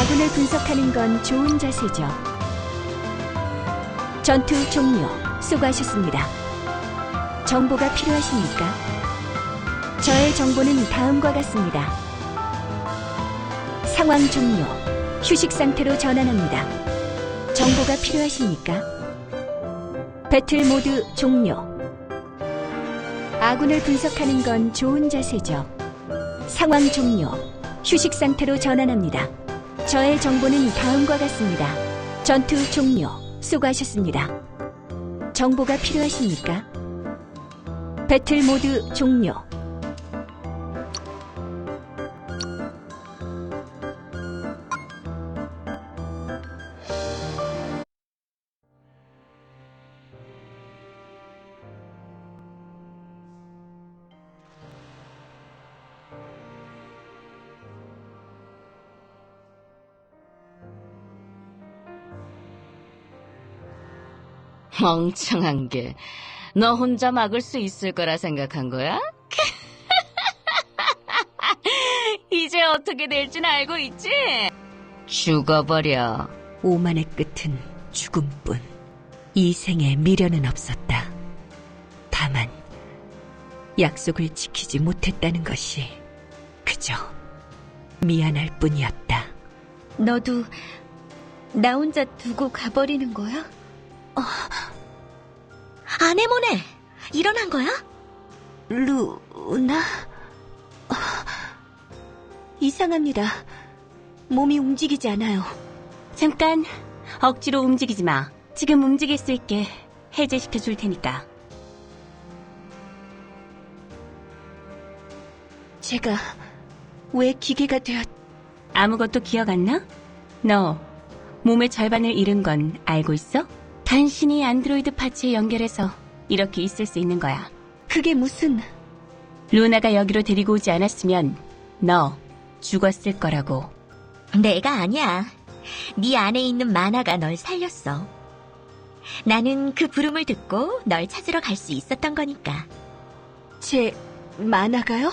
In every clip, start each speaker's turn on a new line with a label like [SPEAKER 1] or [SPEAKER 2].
[SPEAKER 1] 아군을 분석하는 건 좋은 자세죠. 전투 종료. 수고하셨습니다. 정보가 필요하십니까? 저의 정보는 다음과 같습니다. 상황 종료. 휴식 상태로 전환합니다. 정보가 필요하십니까? 배틀 모드 종료. 아군을 분석하는 건 좋은 자세죠. 상황 종료. 휴식 상태로 전환합니다. 저의 정보는 다음과 같습니다. 전투 종료. 수고하셨습니다. 정보가 필요하십니까? 배틀 모드 종료.
[SPEAKER 2] 멍청한 게, 너 혼자 막을 수 있을 거라 생각한 거야? 이제 어떻게 될진 알고 있지? 죽어버려.
[SPEAKER 1] 오만의 끝은 죽음뿐. 이 생에 미련은 없었다. 다만 약속을 지키지 못했다는 것이 그저 미안할 뿐이었다.
[SPEAKER 3] 너도 나 혼자 두고 가버리는 거야? 아네모네, 일어난 거야?
[SPEAKER 1] 루나? 이상합니다. 몸이 움직이지 않아요.
[SPEAKER 3] 잠깐, 억지로 움직이지 마. 지금 움직일 수 있게 해제시켜 줄 테니까.
[SPEAKER 1] 제가 왜 기계가 되었...
[SPEAKER 3] 아무것도 기억 안 나? 너 몸의 절반을 잃은 건 알고 있어? 간신히 안드로이드 파츠에 연결해서 이렇게 있을 수 있는 거야.
[SPEAKER 1] 그게 무슨...
[SPEAKER 3] 루나가 여기로 데리고 오지 않았으면 너 죽었을 거라고.
[SPEAKER 4] 내가 아니야. 네 안에 있는 만화가 널 살렸어. 나는 그 부름을 듣고 널 찾으러 갈 수 있었던 거니까.
[SPEAKER 1] 제 만화가요?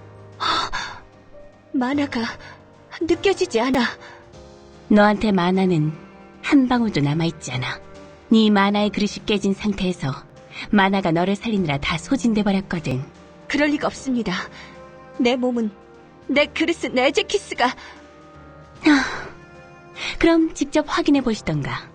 [SPEAKER 1] 만화가 느껴지지 않아.
[SPEAKER 3] 너한테 만화는 한 방울도 남아있지 않아. 네 만화의 그릇이 깨진 상태에서 만화가 너를 살리느라 다 소진돼 버렸거든.
[SPEAKER 1] 그럴 리가 없습니다. 내 몸은, 내 그릇은 에제키스가...
[SPEAKER 3] 그럼 직접 확인해 보시던가.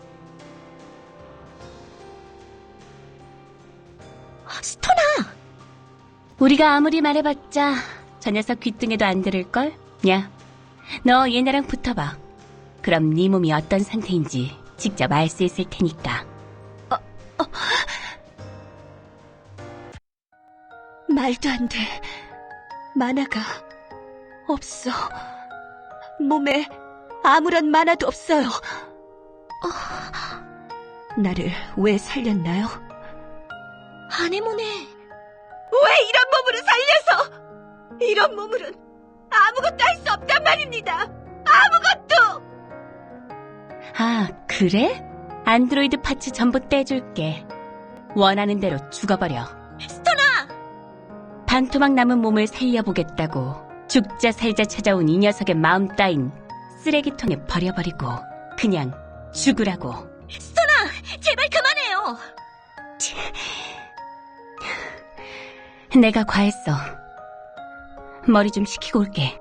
[SPEAKER 4] 스토나!
[SPEAKER 3] 우리가 아무리 말해봤자 저 녀석 귀등에도 안 들을걸? 야, 너 얘네랑 붙어봐. 그럼 네 몸이 어떤 상태인지 직접 알 수 있을 테니까.
[SPEAKER 1] 말도 안 돼. 만화가 없어. 몸에 아무런 만화도 없어요. 나를 왜 살렸나요?
[SPEAKER 4] 아네모네,
[SPEAKER 1] 왜 이런 몸으로 살려서! 이런 몸으론 아무것도 할 수 없단 말입니다. 아무것도!
[SPEAKER 3] 아, 그래? 안드로이드 파츠 전부 떼줄게. 원하는 대로 죽어버려.
[SPEAKER 4] 스토나!
[SPEAKER 3] 반토막 남은 몸을 살려보겠다고 죽자 살자 찾아온 이 녀석의 마음 따윈 쓰레기통에 버려버리고 그냥 죽으라고.
[SPEAKER 4] 스토나! 제발 그만해요!
[SPEAKER 3] 내가 과했어. 머리 좀 식히고 올게.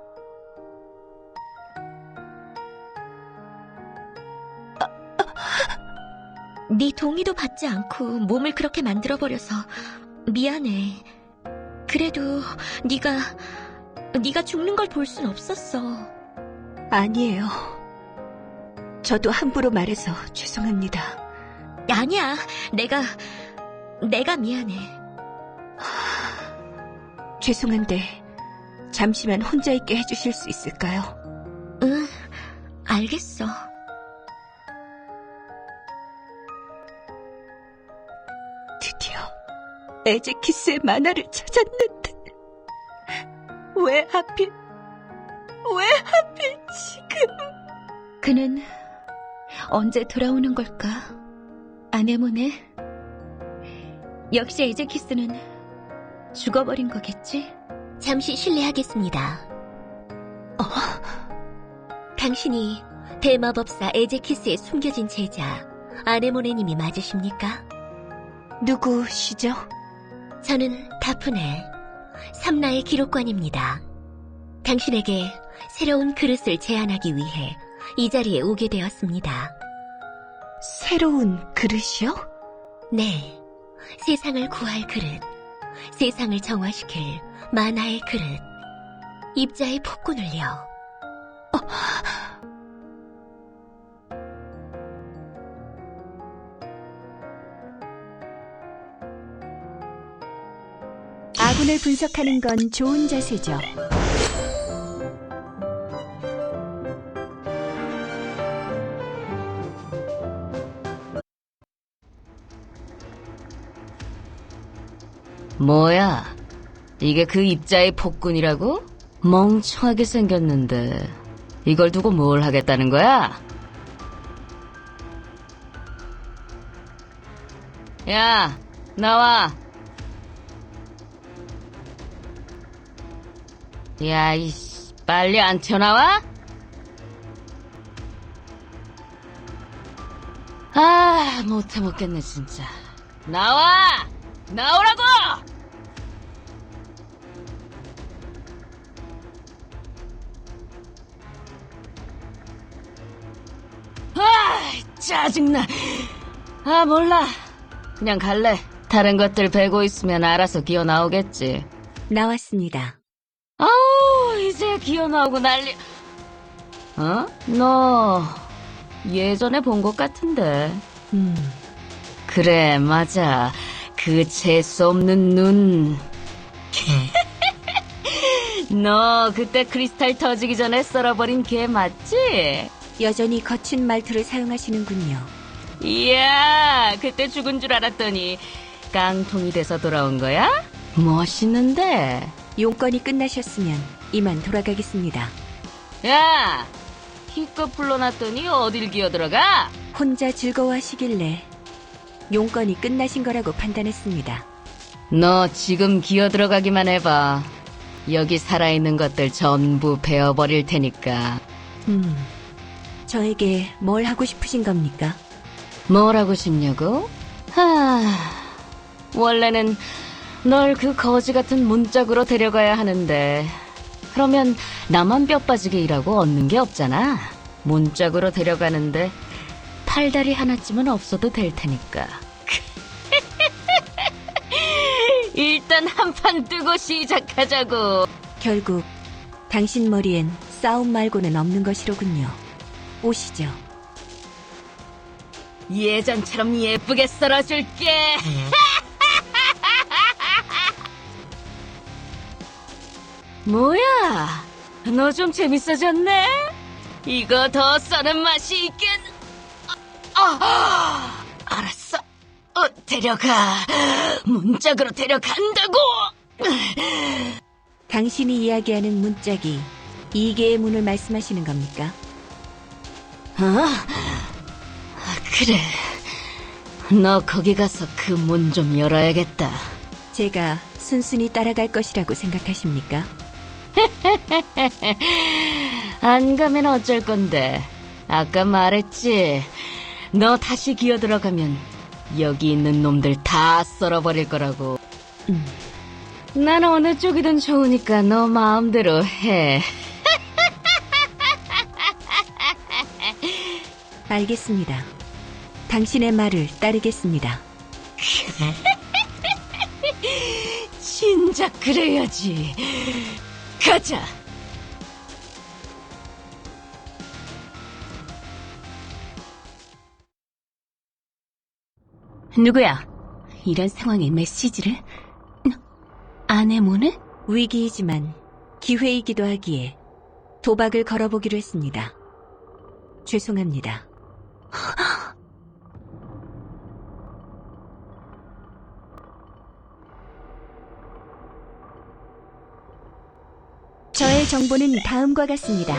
[SPEAKER 4] 네 동의도 받지 않고 몸을 그렇게 만들어버려서 미안해. 그래도 네가 죽는 걸 볼 순 없었어.
[SPEAKER 1] 아니에요. 저도 함부로 말해서 죄송합니다.
[SPEAKER 4] 아니야, 내가 미안해.
[SPEAKER 1] 죄송한데 잠시만 혼자 있게 해주실 수 있을까요?
[SPEAKER 4] 응, 알겠어.
[SPEAKER 1] 드디어 에제키스의 만화를 찾았는데 왜 하필 지금...
[SPEAKER 3] 그는 언제 돌아오는 걸까? 아네모네? 역시 에제키스는 죽어버린 거겠지?
[SPEAKER 4] 잠시 실례하겠습니다. 당신이 대마법사 에제키스의 숨겨진 제자 아네모네님이 맞으십니까?
[SPEAKER 3] 누구시죠?
[SPEAKER 4] 저는 다프네, 삼라의 기록관입니다. 당신에게 새로운 그릇을 제안하기 위해 이 자리에 오게 되었습니다.
[SPEAKER 3] 새로운 그릇이요?
[SPEAKER 4] 네, 세상을 구할 그릇, 세상을 정화시킬 만화의 그릇, 입자의 폭군을요.
[SPEAKER 3] 아군을 분석하는 건 좋은 자세죠.
[SPEAKER 2] 뭐야? 이게 그 입자의 폭군이라고? 멍청하게 생겼는데 이걸 두고 뭘 하겠다는 거야? 야, 나와. 야, 이씨, 빨리 안 튀어나와? 아, 못해 먹겠네, 진짜. 나와! 나오라고! 아, 짜증나. 아, 몰라. 그냥 갈래. 다른 것들 베고 있으면 알아서 기어 나오겠지.
[SPEAKER 3] 나왔습니다.
[SPEAKER 2] 아우, 이제 기어 나오고 난리. 어? 너 예전에 본 것 같은데. 그래, 맞아. 그 재수 없는 눈. 너 그때 크리스탈 터지기 전에 썰어버린 걔 맞지?
[SPEAKER 3] 여전히 거친 말투를 사용하시는군요.
[SPEAKER 2] 이야, 그때 죽은 줄 알았더니 깡통이 돼서 돌아온 거야? 멋있는데.
[SPEAKER 3] 용건이 끝나셨으면 이만 돌아가겠습니다.
[SPEAKER 2] 야, 기껏 불러놨더니 어딜 기어들어가?
[SPEAKER 3] 혼자 즐거워하시길래 용건이 끝나신 거라고 판단했습니다.
[SPEAKER 2] 너 지금 기어들어가기만 해봐. 여기 살아있는 것들 전부 베어버릴 테니까.
[SPEAKER 3] 저에게 뭘 하고 싶으신 겁니까?
[SPEAKER 2] 뭘 하고 싶냐고? 원래는 널 그 거지 같은 문짝으로 데려가야 하는데, 그러면 나만 뼈 빠지게 일하고 얻는 게 없잖아. 문짝으로 데려가는데 팔다리 하나쯤은 없어도 될 테니까. 일단 한판 뜨고 시작하자고.
[SPEAKER 3] 결국 당신 머리엔 싸움 말고는 없는 것이로군요. 오시죠.
[SPEAKER 2] 예전처럼 예쁘게 썰어줄게. 뭐야? 너 좀 재밌어졌네? 이거 더 써는 맛이 있겠... 알았어. 데려가. 문짝으로 데려간다고.
[SPEAKER 3] 당신이 이야기하는 문짝이 이계의 문을 말씀하시는 겁니까?
[SPEAKER 2] 그래. 너 거기 가서 그 문 좀 열어야겠다.
[SPEAKER 3] 제가 순순히 따라갈 것이라고 생각하십니까?
[SPEAKER 2] 안 가면 어쩔 건데. 아까 말했지. 너 다시 기어 들어가면 여기 있는 놈들 다 썰어버릴 거라고. 난 어느 쪽이든 좋으니까 너 마음대로 해.
[SPEAKER 3] 알겠습니다. 당신의 말을 따르겠습니다.
[SPEAKER 2] 진작 그래야지. 가자.
[SPEAKER 3] 누구야? 이런 상황에 메시지를? 아네모네? 위기이지만 기회이기도 하기에 도박을 걸어보기로 했습니다. 죄송합니다. 저의 정보는 다음과 같습니다.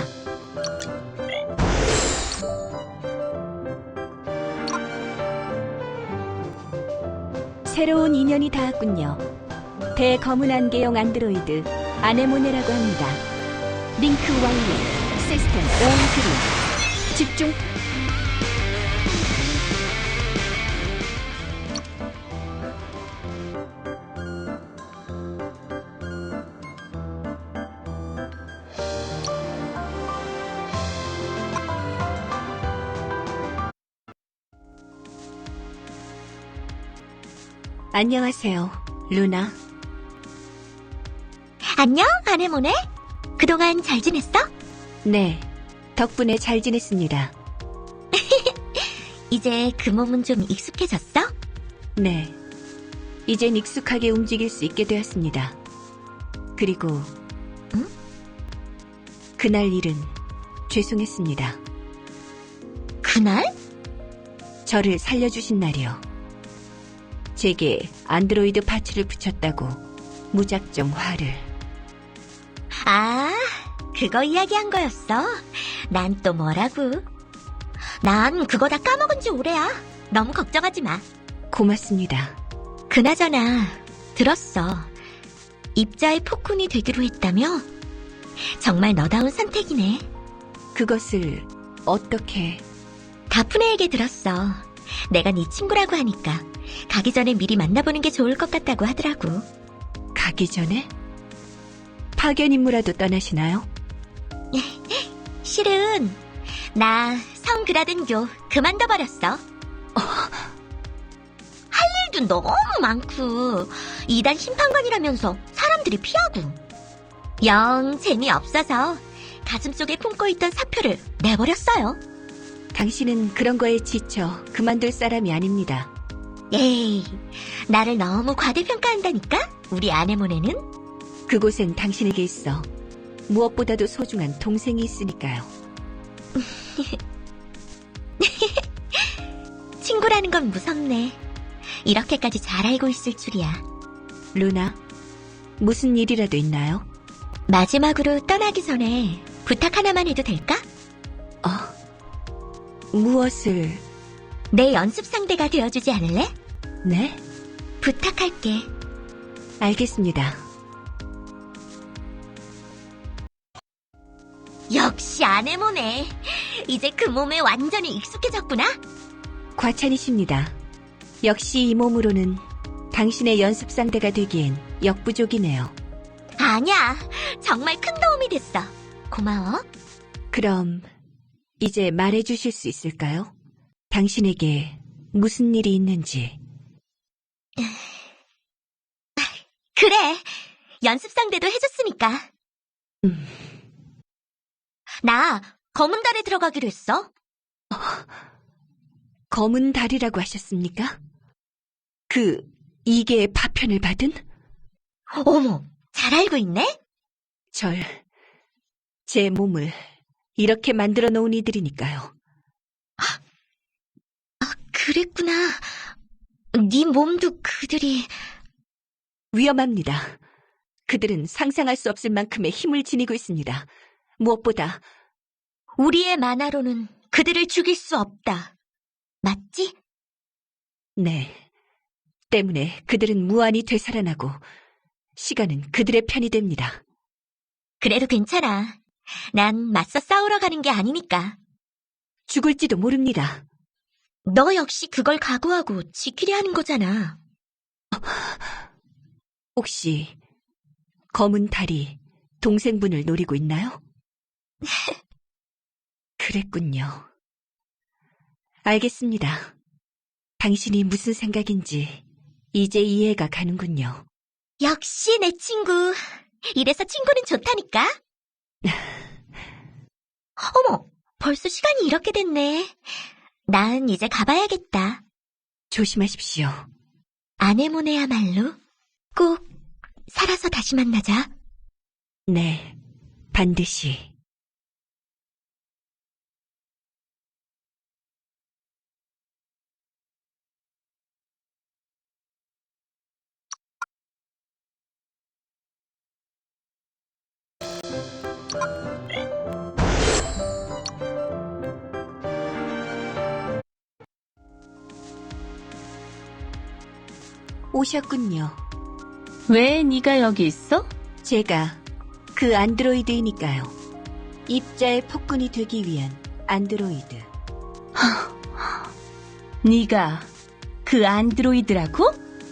[SPEAKER 3] 새로운 인연이 닿았군요. 대검은 안개형 안드로이드 아네모네라고 합니다. 링크 완료. 시스템 온 그린. 집중. 안녕하세요, 루나.
[SPEAKER 4] 안녕, 아네모네. 그동안 잘 지냈어?
[SPEAKER 3] 네, 덕분에 잘 지냈습니다.
[SPEAKER 4] 이제 그 몸은 좀 익숙해졌어?
[SPEAKER 3] 네, 이젠 익숙하게 움직일 수 있게 되었습니다. 그리고
[SPEAKER 4] 응?
[SPEAKER 3] 그날 일은 죄송했습니다.
[SPEAKER 4] 그날?
[SPEAKER 3] 저를 살려주신 날이요. 제게 안드로이드 파츠를 붙였다고 무작정 화를.
[SPEAKER 4] 아, 그거 이야기한 거였어. 난 또 뭐라고? 난 그거 다 까먹은 지 오래야. 너무 걱정하지 마.
[SPEAKER 3] 고맙습니다.
[SPEAKER 4] 그나저나 들었어. 입자의 폭군이 되기로 했다며? 정말 너다운 선택이네.
[SPEAKER 3] 그것을 어떻게...
[SPEAKER 4] 다프네에게 들었어. 내가 네 친구라고 하니까 가기 전에 미리 만나보는 게 좋을 것 같다고 하더라고.
[SPEAKER 3] 가기 전에? 파견 임무라도 떠나시나요?
[SPEAKER 4] 실은 나 성그라든교 그만둬버렸어. 할 일도 너무 많고 2단 심판관이라면서 사람들이 피하고 영 재미없어서 가슴속에 품고 있던 사표를 내버렸어요.
[SPEAKER 3] 당신은 그런 거에 지쳐 그만둘 사람이 아닙니다.
[SPEAKER 4] 에이, 나를 너무 과대평가한다니까? 우리 아네모네는?
[SPEAKER 3] 그곳엔 당신에게 있어 무엇보다도 소중한 동생이 있으니까요.
[SPEAKER 4] 친구라는 건 무섭네. 이렇게까지 잘 알고 있을 줄이야.
[SPEAKER 3] 루나, 무슨 일이라도 있나요?
[SPEAKER 4] 마지막으로 떠나기 전에 부탁 하나만 해도 될까?
[SPEAKER 3] 무엇을...
[SPEAKER 4] 내 연습 상대가 되어주지 않을래?
[SPEAKER 3] 네?
[SPEAKER 4] 부탁할게.
[SPEAKER 3] 알겠습니다.
[SPEAKER 4] 역시 아네모네. 이제 그 몸에 완전히 익숙해졌구나?
[SPEAKER 3] 과찬이십니다. 역시 이 몸으로는 당신의 연습 상대가 되기엔 역부족이네요.
[SPEAKER 4] 아니야. 정말 큰 도움이 됐어. 고마워.
[SPEAKER 3] 그럼 이제 말해주실 수 있을까요? 당신에게 무슨 일이 있는지.
[SPEAKER 4] 그래. 연습 상대도 해줬으니까. 나 검은 달에 들어가기로 했어.
[SPEAKER 3] 검은 달이라고 하셨습니까? 그 이계의 파편을 받은?
[SPEAKER 4] 어머, 잘 알고 있네?
[SPEAKER 3] 제 몸을 이렇게 만들어 놓은 이들이니까요.
[SPEAKER 4] 그랬구나. 네 몸도 그들이...
[SPEAKER 3] 위험합니다. 그들은 상상할 수 없을 만큼의 힘을 지니고 있습니다. 무엇보다
[SPEAKER 4] 우리의 만화로는 그들을 죽일 수 없다. 맞지?
[SPEAKER 3] 네. 때문에 그들은 무한히 되살아나고 시간은 그들의 편이 됩니다.
[SPEAKER 4] 그래도 괜찮아. 난 맞서 싸우러 가는 게 아니니까.
[SPEAKER 3] 죽을지도 모릅니다.
[SPEAKER 4] 너 역시 그걸 각오하고 지키려 하는 거잖아.
[SPEAKER 3] 혹시 검은 달이 동생분을 노리고 있나요? 그랬군요. 알겠습니다. 당신이 무슨 생각인지 이제 이해가 가는군요.
[SPEAKER 4] 역시 내 친구. 이래서 친구는 좋다니까. 어머, 벌써 시간이 이렇게 됐네. 난 이제 가봐야겠다.
[SPEAKER 3] 조심하십시오.
[SPEAKER 4] 아네모네야말로 꼭 살아서 다시 만나자.
[SPEAKER 3] 네, 반드시. 오셨군요.
[SPEAKER 2] 왜 네가 여기 있어?
[SPEAKER 3] 제가 그 안드로이드이니까요. 입자의 폭군이 되기 위한
[SPEAKER 4] 안드로이드.
[SPEAKER 3] 네가 그 안드로이드라고?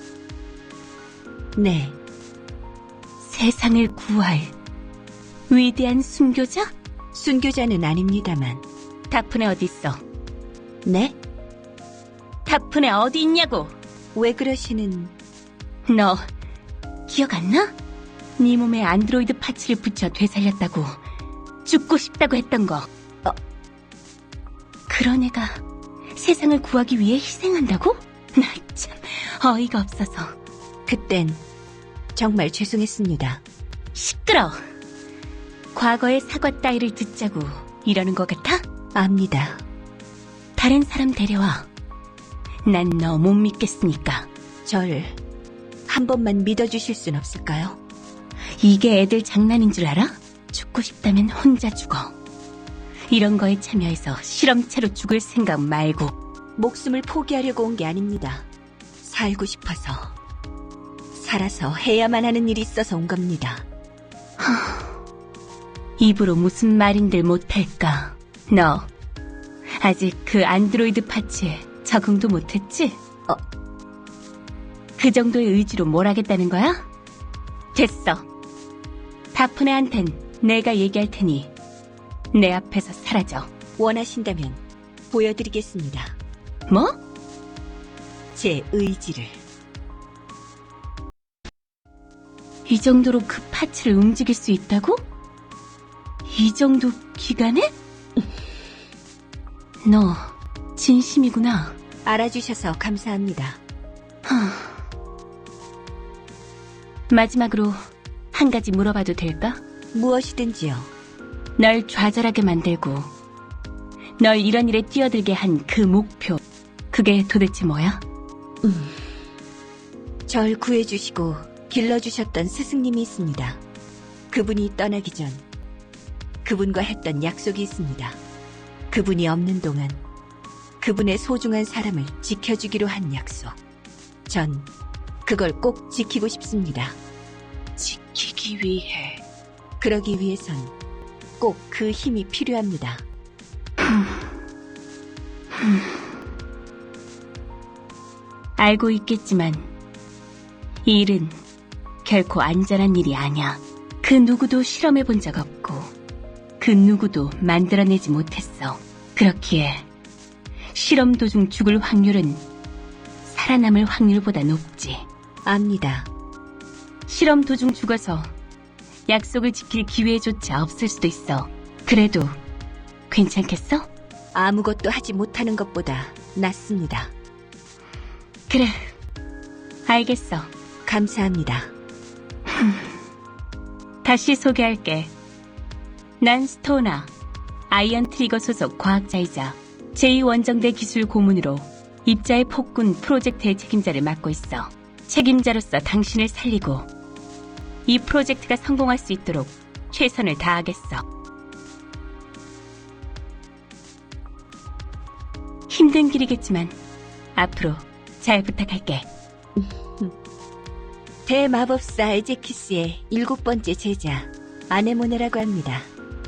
[SPEAKER 4] 네,
[SPEAKER 3] 세상을 구할 위대한 순교자?
[SPEAKER 4] 순교자는 아닙니다만.
[SPEAKER 3] 다프네 어디 있어?
[SPEAKER 4] 네?
[SPEAKER 3] 다프네 어디 있냐고?
[SPEAKER 4] 왜 그러시는...
[SPEAKER 3] 너 기억 안 나? 네 몸에 안드로이드 파츠를 붙여 되살렸다고, 죽고 싶다고 했던 거. 그런 애가 세상을 구하기 위해 희생한다고? 나 참 어이가 없어서.
[SPEAKER 4] 그땐 정말 죄송했습니다.
[SPEAKER 3] 시끄러. 과거의 사과 따위를 듣자고 이러는 것 같아?
[SPEAKER 4] 압니다.
[SPEAKER 3] 다른 사람 데려와. 난 너 못 믿겠으니까.
[SPEAKER 4] 절 한 번만 믿어주실 순 없을까요?
[SPEAKER 3] 이게 애들 장난인 줄 알아? 죽고 싶다면 혼자 죽어. 이런 거에 참여해서 실험체로 죽을 생각 말고.
[SPEAKER 4] 목숨을 포기하려고 온 게 아닙니다. 살고 싶어서, 살아서 해야만 하는 일이 있어서 온 겁니다.
[SPEAKER 3] 입으로 무슨 말인들 못할까? 너 아직 그 안드로이드 파츠에 적응도 못했지? 그 정도의 의지로 뭘 하겠다는 거야? 됐어. 다프네한텐 내가 얘기할 테니 내 앞에서 사라져.
[SPEAKER 4] 원하신다면 보여드리겠습니다.
[SPEAKER 3] 뭐?
[SPEAKER 4] 제 의지를.
[SPEAKER 3] 이 정도로 그 파츠를 움직일 수 있다고? 이 정도 기간에? 너 진심이구나.
[SPEAKER 4] 알아주셔서 감사합니다.
[SPEAKER 3] 마지막으로 한 가지 물어봐도 될까?
[SPEAKER 4] 무엇이든지요.
[SPEAKER 3] 널 좌절하게 만들고 널 이런 일에 뛰어들게 한 그 목표, 그게 도대체 뭐야?
[SPEAKER 4] 절 구해주시고 길러주셨던 스승님이 있습니다. 그분이 떠나기 전 그분과 했던 약속이 있습니다. 그분이 없는 동안 그분의 소중한 사람을 지켜주기로 한 약속. 전 그걸 꼭 지키고 싶습니다.
[SPEAKER 3] 지키기 위해.
[SPEAKER 4] 그러기 위해선 꼭 그 힘이 필요합니다.
[SPEAKER 3] 알고 있겠지만 이 일은 결코 안전한 일이 아니야. 그 누구도 실험해 본 적 없고 그 누구도 만들어내지 못했어. 그렇기에 실험 도중 죽을 확률은 살아남을 확률보다 높지.
[SPEAKER 4] 압니다.
[SPEAKER 3] 실험 도중 죽어서 약속을 지킬 기회조차 없을 수도 있어. 그래도 괜찮겠어?
[SPEAKER 4] 아무것도 하지 못하는 것보다 낫습니다.
[SPEAKER 3] 그래, 알겠어.
[SPEAKER 4] 감사합니다.
[SPEAKER 3] 다시 소개할게. 난 스토나, 아이언 트리거 소속 과학자이자 제2원정대 기술 고문으로 입자의 폭군 프로젝트의 책임자를 맡고 있어. 책임자로서 당신을 살리고 이 프로젝트가 성공할 수 있도록 최선을 다하겠어. 힘든 길이겠지만 앞으로 잘 부탁할게.
[SPEAKER 4] 대마법사 에제키스의 7번째 제자 아네모네라고 합니다.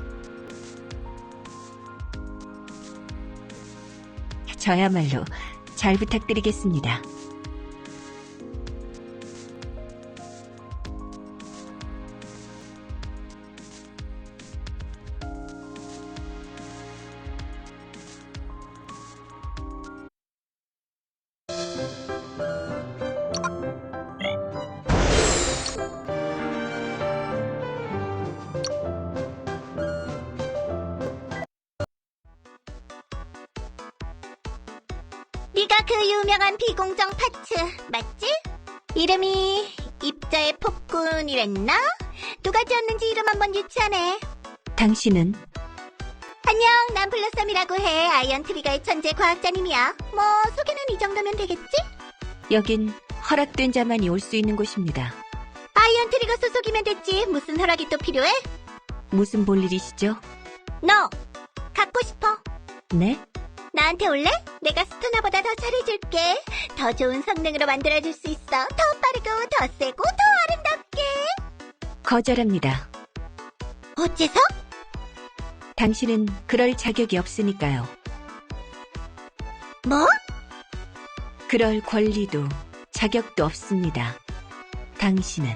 [SPEAKER 4] 저야말로 잘 부탁드리겠습니다.
[SPEAKER 1] 네가 그 유명한 비공정 파츠 맞지? 이름이 입자의 폭군이랬나? 누가 지었는지 이름 한번 유치하네.
[SPEAKER 4] 당신은?
[SPEAKER 1] 안녕, 난 블러썸이라고 해. 아이언 트리거의 천재 과학자님이야. 뭐 소개는 이 정도면 되겠지?
[SPEAKER 4] 여긴 허락된 자만이 올 수 있는 곳입니다.
[SPEAKER 1] 아이언 트리거 소속이면 됐지. 무슨 허락이 또 필요해?
[SPEAKER 4] 무슨 볼일이시죠?
[SPEAKER 1] 너 갖고 싶어?
[SPEAKER 4] 네?
[SPEAKER 1] 나한테 올래? 내가 스토나보다 더 잘해줄게. 더 좋은 성능으로 만들어줄 수 있어. 더 빠르고 더 세고 더 아름답게.
[SPEAKER 4] 거절합니다.
[SPEAKER 1] 어째서?
[SPEAKER 4] 당신은 그럴 자격이 없으니까요.
[SPEAKER 1] 뭐?
[SPEAKER 4] 그럴 권리도 자격도 없습니다. 당신은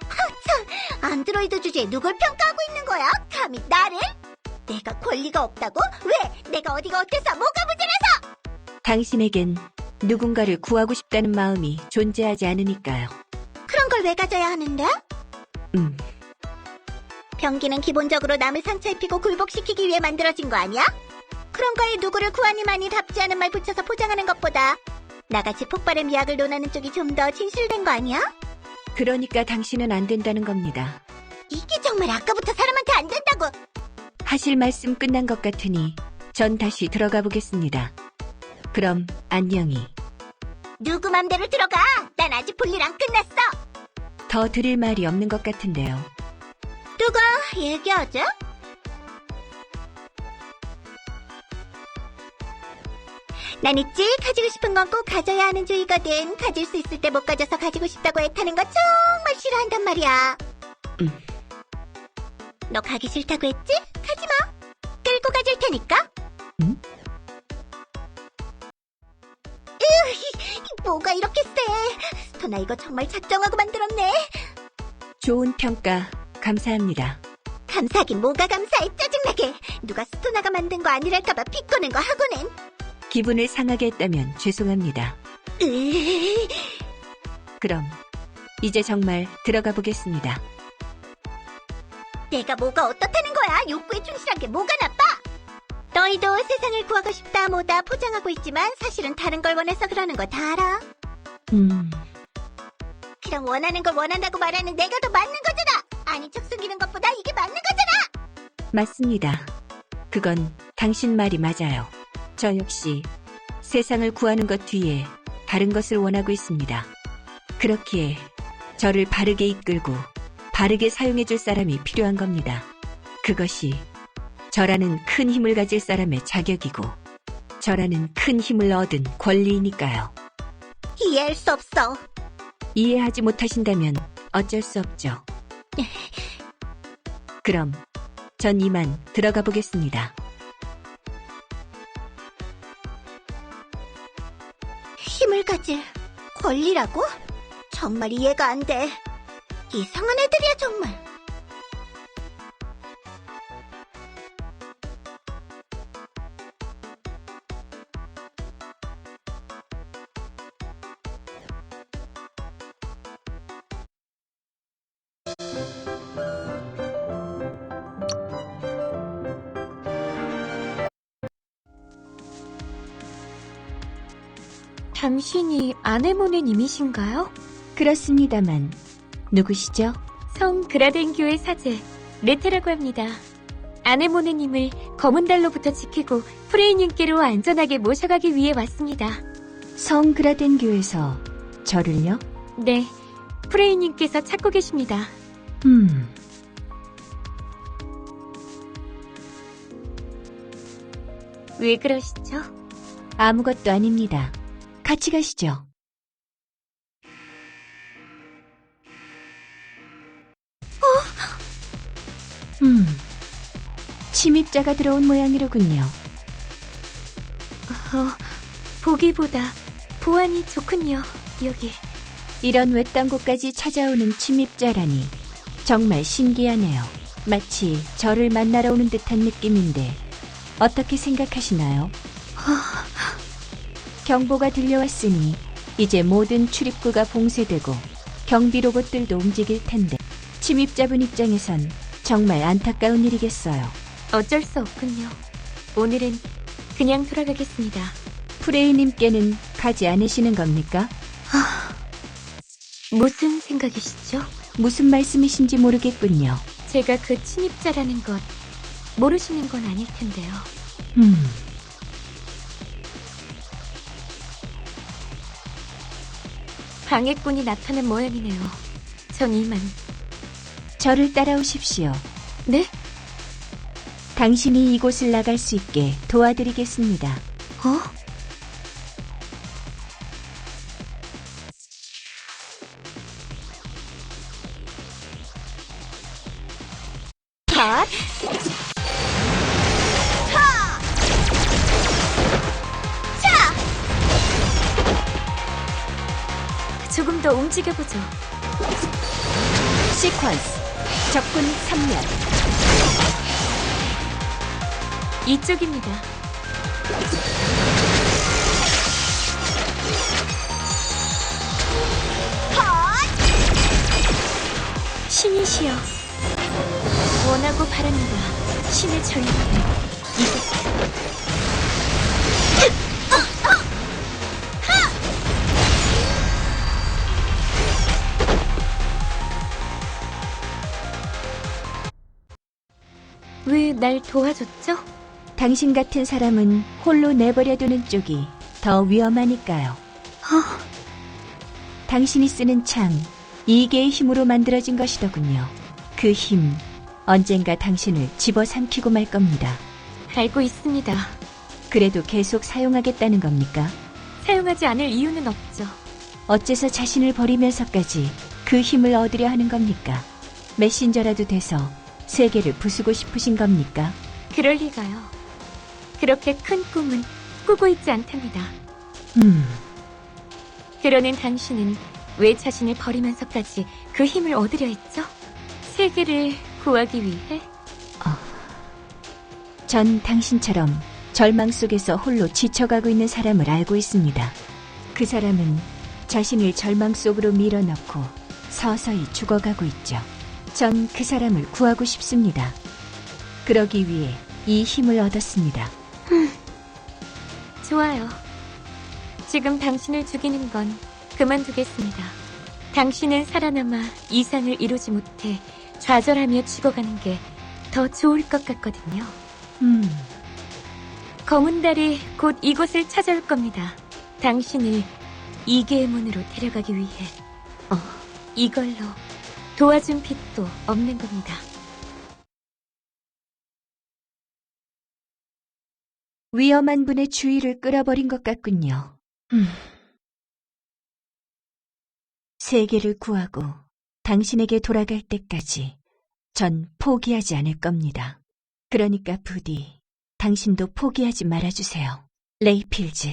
[SPEAKER 1] 안드로이드 주제에 누굴 평가하고 있는 거야? 감히 나를? 내가 권리가 없다고? 왜? 내가 어디가 어때서? 뭐가 문제라서?
[SPEAKER 4] 당신에겐 누군가를 구하고 싶다는 마음이 존재하지 않으니까요.
[SPEAKER 1] 그런 걸 왜 가져야 하는데?
[SPEAKER 4] 음,
[SPEAKER 1] 병기는 기본적으로 남을 상처 입히고 굴복시키기 위해 만들어진 거 아니야? 그런 거에 누구를 구하니만이 답지 않은 말 붙여서 포장하는 것보다 나같이 폭발의 미학을 논하는 쪽이 좀 더 진실된 거 아니야?
[SPEAKER 4] 그러니까 당신은 안 된다는 겁니다.
[SPEAKER 1] 이게 정말 아까부터 사람한테 안 된다고.
[SPEAKER 4] 하실 말씀 끝난 것 같으니 전 다시 들어가 보겠습니다. 그럼 안녕히.
[SPEAKER 1] 누구 맘대로 들어가. 난 아직 볼일 안 끝났어.
[SPEAKER 4] 더 드릴 말이 없는 것 같은데요.
[SPEAKER 1] 누가 얘기하지? 난 있지. 가지고 싶은 건 꼭 가져야 하는 주의거든. 가질 수 있을 때 못 가져서 가지고 싶다고 애타는 거 정말 싫어한단 말이야. 너 가기 싫다고 했지? 가지 마. 끌고 가줄 테니까.
[SPEAKER 4] 응?
[SPEAKER 1] 뭐가 이렇게 세? 스토나 이거 정말 작정하고 만들었네.
[SPEAKER 4] 좋은 평가 감사합니다.
[SPEAKER 1] 감사하긴 뭐가 감사해. 짜증나게. 누가 스토나가 만든 거 아니랄까봐 비꼬는 거 하고는.
[SPEAKER 4] 기분을 상하게 했다면 죄송합니다. 그럼 이제 정말 들어가 보겠습니다.
[SPEAKER 1] 내가 뭐가 어떻다는 거야? 욕구에 충실한 게 뭐가 나빠? 너희도 세상을 구하고 싶다 뭐다 포장하고 있지만 사실은 다른 걸 원해서 그러는 거 다 알아. 그럼 원하는 걸 원한다고 말하는 내가 더 맞는 거잖아. 아닌 척 숨기는 것보다 이게 맞는 거잖아.
[SPEAKER 4] 맞습니다. 그건 당신 말이 맞아요. 저 역시 세상을 구하는 것 뒤에 다른 것을 원하고 있습니다. 그렇기에 저를 바르게 이끌고 바르게 사용해줄 사람이 필요한 겁니다. 그것이 저라는 큰 힘을 가질 사람의 자격이고 저라는 큰 힘을 얻은 권리이니까요.
[SPEAKER 1] 이해할 수 없어.
[SPEAKER 4] 이해하지 못하신다면 어쩔 수 없죠. 그럼 전 이만 들어가 보겠습니다.
[SPEAKER 1] 힘을 가질 권리라고? 정말 이해가 안 돼. 이상한 애들이야 정말.
[SPEAKER 3] 당신이 아네모네님이신가요?
[SPEAKER 4] 그렇습니다만 누구시죠?
[SPEAKER 3] 성 그라덴 교회 사제 레테라고 합니다. 아네모네님을 검은 달로부터 지키고 프레이님께로 안전하게 모셔가기 위해 왔습니다.
[SPEAKER 4] 성 그라덴 교에서 저를요?
[SPEAKER 3] 네, 프레이님께서 찾고 계십니다. 왜 그러시죠?
[SPEAKER 4] 아무것도 아닙니다. 같이 가시죠. 침입자가 들어온 모양이로군요.
[SPEAKER 3] 보기보다 보안이 좋군요, 여기.
[SPEAKER 4] 이런 외딴 곳까지 찾아오는 침입자라니 정말 신기하네요. 마치 저를 만나러 오는 듯한 느낌인데 어떻게 생각하시나요? 경보가 들려왔으니 이제 모든 출입구가 봉쇄되고 경비 로봇들도 움직일 텐데 침입자분 입장에선 정말 안타까운 일이겠어요.
[SPEAKER 3] 어쩔 수 없군요. 오늘은 그냥 돌아가겠습니다.
[SPEAKER 4] 프레이님께는 가지 않으시는 겁니까?
[SPEAKER 3] 무슨 생각이시죠?
[SPEAKER 4] 무슨 말씀이신지 모르겠군요.
[SPEAKER 3] 제가 그 침입자라는 것 모르시는 건 아닐 텐데요. 방해꾼이 나타난 모양이네요. 전 이만.
[SPEAKER 4] 저를 따라오십시오.
[SPEAKER 3] 네?
[SPEAKER 4] 당신이 이곳을 나갈 수 있게 도와드리겠습니다.
[SPEAKER 3] 컷! 조금 더 움직여보죠.
[SPEAKER 4] 시퀀스. 적군 3명.
[SPEAKER 3] 이쪽입니다. 신이시여, 원하고 바랍니다. 신의 전력을 이곳에. 왜 날 도와줬죠?
[SPEAKER 4] 당신 같은 사람은 홀로 내버려두는 쪽이 더 위험하니까요. 당신이 쓰는 창, 이계의 힘으로 만들어진 것이더군요. 그 힘, 언젠가 당신을 집어삼키고 말 겁니다.
[SPEAKER 3] 알고 있습니다.
[SPEAKER 4] 그래도 계속 사용하겠다는 겁니까?
[SPEAKER 3] 사용하지 않을 이유는 없죠.
[SPEAKER 4] 어째서 자신을 버리면서까지 그 힘을 얻으려 하는 겁니까? 메신저라도 돼서 세계를 부수고 싶으신 겁니까?
[SPEAKER 3] 그럴 리가요. 그렇게 큰 꿈은 꾸고 있지 않답니다. 그러는 당신은 왜 자신을 버리면서까지 그 힘을 얻으려 했죠? 세계를 구하기 위해?
[SPEAKER 4] 전 당신처럼 절망 속에서 홀로 지쳐가고 있는 사람을 알고 있습니다. 그 사람은 자신을 절망 속으로 밀어넣고 서서히 죽어가고 있죠. 전 그 사람을 구하고 싶습니다. 그러기 위해 이 힘을 얻었습니다.
[SPEAKER 3] 좋아요. 지금 당신을 죽이는 건 그만두겠습니다. 당신은 살아남아 이상을 이루지 못해 좌절하며 죽어가는 게 더 좋을 것 같거든요. 검은 달이 곧 이곳을 찾아올 겁니다. 당신을 이계의 문으로 데려가기 위해. 이걸로 도와준 빚도 없는 겁니다.
[SPEAKER 4] 위험한 분의 주의를 끌어버린 것 같군요. 세계를 구하고 당신에게 돌아갈 때까지 전 포기하지 않을 겁니다. 그러니까 부디 당신도 포기하지 말아주세요. 레이필즈.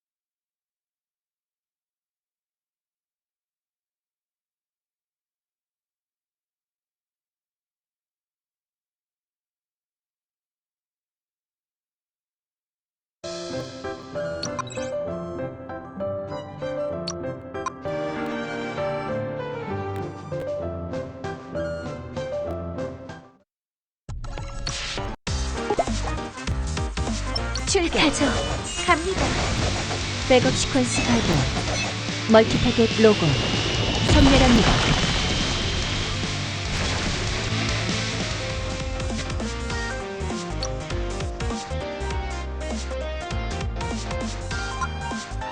[SPEAKER 4] 출격.
[SPEAKER 3] 가죠. 갑니다.
[SPEAKER 4] 백업 시퀀스 발동. 멀티타겟 로고. 선멸합니다.